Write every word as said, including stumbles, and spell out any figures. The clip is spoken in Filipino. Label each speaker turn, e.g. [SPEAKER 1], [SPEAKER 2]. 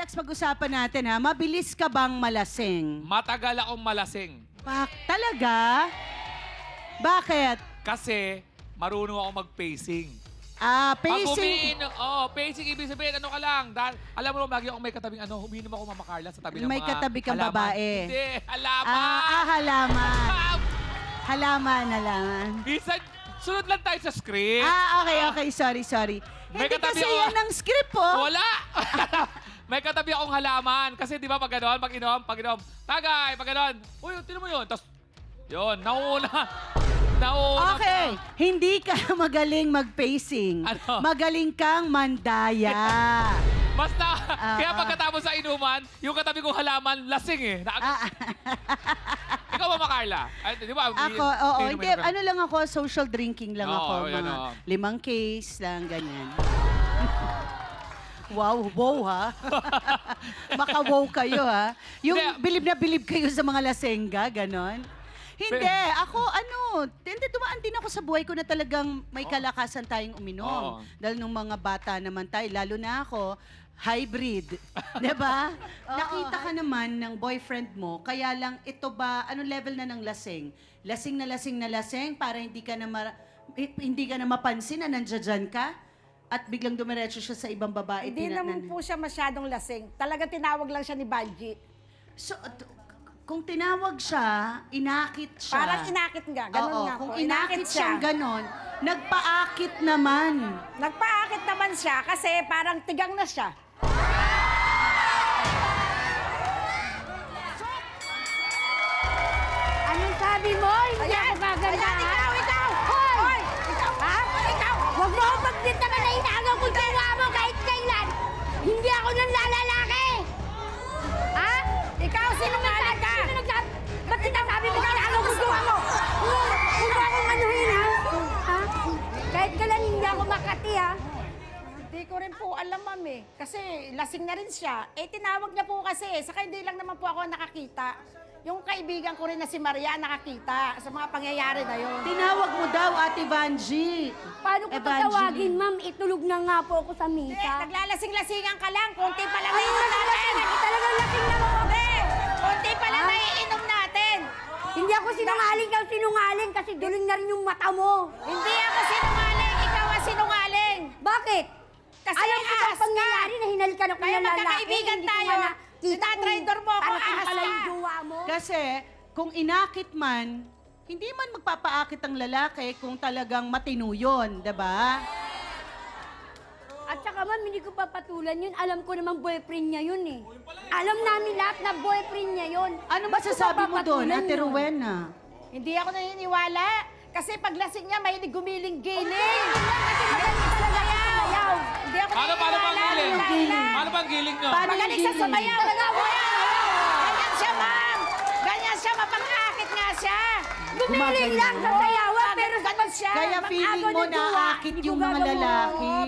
[SPEAKER 1] next pag-usapan natin ha. Mabilis ka bang malasing?
[SPEAKER 2] Matagal akong malasing.
[SPEAKER 1] Bak, talaga? Bakit?
[SPEAKER 2] Kasi marunong ako mag-pacing.
[SPEAKER 1] Ah,
[SPEAKER 2] Pag
[SPEAKER 1] pacing.
[SPEAKER 2] umiinom, oh, pacing, ibig sabihin, ano ka lang. Dahil, alam mo naman, lagi akong may katabing, ano, umiinom ako Mama Carla sa tabi ng
[SPEAKER 1] May
[SPEAKER 2] mga
[SPEAKER 1] katabi kang
[SPEAKER 2] halaman.
[SPEAKER 1] babae.
[SPEAKER 2] Hindi, halaman.
[SPEAKER 1] Ah, ah, halaman.
[SPEAKER 2] Ah,
[SPEAKER 1] Halaman, halaman.
[SPEAKER 2] Minsan, sunod lang tayo sa script.
[SPEAKER 1] Ah, okay, okay. Sorry, sorry.
[SPEAKER 2] May
[SPEAKER 1] Hindi
[SPEAKER 2] katabi
[SPEAKER 1] kasi
[SPEAKER 2] ako-
[SPEAKER 1] yan ang script, oh.
[SPEAKER 2] Wala! May katabi akong halaman. Kasi di ba pag gano'n, pag inom, pag inom, tagay, pag gano'n, uy, tinan mo yun. Tapos, yun, nauuna. Nauuna
[SPEAKER 1] Okay,
[SPEAKER 2] ka.
[SPEAKER 1] hindi ka magaling mag-pacing.
[SPEAKER 2] Ano?
[SPEAKER 1] Magaling kang mandaya.
[SPEAKER 2] Basta,
[SPEAKER 1] Ah,
[SPEAKER 2] kaya
[SPEAKER 1] ah.
[SPEAKER 2] pagkatapos sa inuman, yung katabi kong halaman, lasing eh. Na,
[SPEAKER 1] Ah,
[SPEAKER 2] Ikaw ba, Carla? Ay, di ba?
[SPEAKER 1] ako, oo,
[SPEAKER 2] inumin
[SPEAKER 1] hindi,
[SPEAKER 2] ka-
[SPEAKER 1] ano lang ako, social drinking lang
[SPEAKER 2] Oo,
[SPEAKER 1] ako.
[SPEAKER 2] yan,
[SPEAKER 1] Mga
[SPEAKER 2] oo.
[SPEAKER 1] limang case lang, ganyan. Wow, wow ha. Maka-wow kayo ha. Yung
[SPEAKER 2] Hindi.
[SPEAKER 1] bilib na bilib kayo sa mga lasenga, ganon. Hindi,
[SPEAKER 2] Pe-
[SPEAKER 1] ako ano, hindi dumaan din ako sa buhay ko na talagang may kalakasan tayong uminom.
[SPEAKER 2] Oo.
[SPEAKER 1] Dahil nung mga bata naman tayo, lalo na ako, hybrid. 'Di ba? Nakita ka naman ng boyfriend mo, kaya lang ito ba, ano level na ng lasing? Lasing na lasing na lasing para hindi ka na ma- eh, hindi ka na mapansin na nandiyan ka at biglang dumiretso siya sa ibang babae.
[SPEAKER 3] Hindi
[SPEAKER 1] tina-
[SPEAKER 3] naman
[SPEAKER 1] nan-
[SPEAKER 3] po siya masyadong lasing. Talagang tinawag lang siya ni Banji.
[SPEAKER 1] So, at- kung tinawag siya, inakit siya.
[SPEAKER 3] Parang inakit nga. Ganun
[SPEAKER 1] Oo,
[SPEAKER 3] nga
[SPEAKER 1] kung
[SPEAKER 3] po.
[SPEAKER 1] inakit
[SPEAKER 3] Inakit
[SPEAKER 1] siyang
[SPEAKER 3] siya.
[SPEAKER 1] ganon, nagpaakit naman.
[SPEAKER 3] Nagpaakit naman siya kasi parang tigang na siya.
[SPEAKER 4] Anong sabi mo? Hindi
[SPEAKER 3] Ayan!
[SPEAKER 4] ako gaganda.
[SPEAKER 3] Ayan, ikaw, ikaw!
[SPEAKER 4] Hoy!
[SPEAKER 3] Hoy! Ikaw! Ha? Ikaw!
[SPEAKER 4] Huwag mo akong pagbintangan na inagaw kung jowa mo kahit kailan. Hindi ako nang lalalaki. Ha?
[SPEAKER 3] Ikaw, sinungaling ka!
[SPEAKER 4] Sino nagsabi? Ba't sinasabi mo inagaw kung jowa mo? Huwag huwag mo akong anuhin, ha? Ha? Kahit kailan hindi ako makati, ha?
[SPEAKER 3] Hindi ko rin po alam, ma'am eh. Kasi lasing na rin siya. Eh, tinawag niya po kasi. Saka hindi lang naman po ako nakakita. Yung kaibigan ko rin na si Maria nakakita sa mga pangyayari na yun.
[SPEAKER 1] Tinawag mo daw, Ate Vanji.
[SPEAKER 4] Paano ko
[SPEAKER 1] Evangeline.
[SPEAKER 4] tatawagin, ma'am? Itulog na nga po ako sa
[SPEAKER 3] Hindi,
[SPEAKER 4] misa.
[SPEAKER 3] naglalasing-lasingan ka lang. Konti pa lang
[SPEAKER 4] Ay,
[SPEAKER 3] naiinom natin.
[SPEAKER 4] naglalasing. Talagang lasing na ako.
[SPEAKER 3] Hindi, konti pa lang
[SPEAKER 4] Ha?
[SPEAKER 3] naiinom natin.
[SPEAKER 4] Hindi ako sinungaling, ikaw sinungaling kasi duling na rin yung mata mo.
[SPEAKER 3] Hindi ako sinungaling. Ikaw ang sinungaling.
[SPEAKER 4] Bakit?
[SPEAKER 3] Kasi
[SPEAKER 4] Alam ko
[SPEAKER 3] ahas
[SPEAKER 4] ang pangyayari na hinalikan ako
[SPEAKER 3] Kaya
[SPEAKER 4] ng lalaki.
[SPEAKER 3] magkakaibigan
[SPEAKER 4] hindi ko
[SPEAKER 3] tayo.
[SPEAKER 4] nga nakita
[SPEAKER 3] Tinatraidor
[SPEAKER 4] kung
[SPEAKER 3] mo ako,
[SPEAKER 4] parating
[SPEAKER 3] ahas
[SPEAKER 4] pala
[SPEAKER 3] ka.
[SPEAKER 4] yung jowa mo.
[SPEAKER 1] Kasi kung inakit man, hindi man magpapaakit ang lalaki kung talagang matino yun, diba?
[SPEAKER 4] At saka ma'am, hindi ko papatulan yun. Alam ko naman boyfriend niya yun eh. Alam namin lahat na boyfriend niya yun.
[SPEAKER 1] Ano
[SPEAKER 4] Ba't ko
[SPEAKER 1] masasabi mo doon,
[SPEAKER 4] papatulan
[SPEAKER 1] Ate
[SPEAKER 4] yun?
[SPEAKER 1] Rowena?
[SPEAKER 3] Hindi ako naniniwala. Kasi paglasing niya, may gumiling-giling.
[SPEAKER 4] Kasi magaling talaga yan. Ayaw.
[SPEAKER 3] Hindi ako
[SPEAKER 2] Paano, paano bang
[SPEAKER 3] naniniwala.
[SPEAKER 2] giling?
[SPEAKER 3] Wala,
[SPEAKER 1] Giling.
[SPEAKER 3] wala.
[SPEAKER 2] Paano bang giling nyo?
[SPEAKER 1] Paano
[SPEAKER 3] Magaling
[SPEAKER 1] yung
[SPEAKER 3] sa
[SPEAKER 1] giling?
[SPEAKER 3] sumayaw. Talaga ako yan. Ganyan siya, ma'am. Ganyan siya, mapang-akit nga siya.
[SPEAKER 4] Gumiling lang sa sayawan, pero sa
[SPEAKER 3] Ganun siya.
[SPEAKER 1] Kaya feeling
[SPEAKER 4] Mag-agaw
[SPEAKER 1] mo
[SPEAKER 4] ng jowa,
[SPEAKER 1] naakit
[SPEAKER 4] hindi
[SPEAKER 1] yung
[SPEAKER 4] ko
[SPEAKER 1] mga
[SPEAKER 4] gagawin.
[SPEAKER 1] lalaki.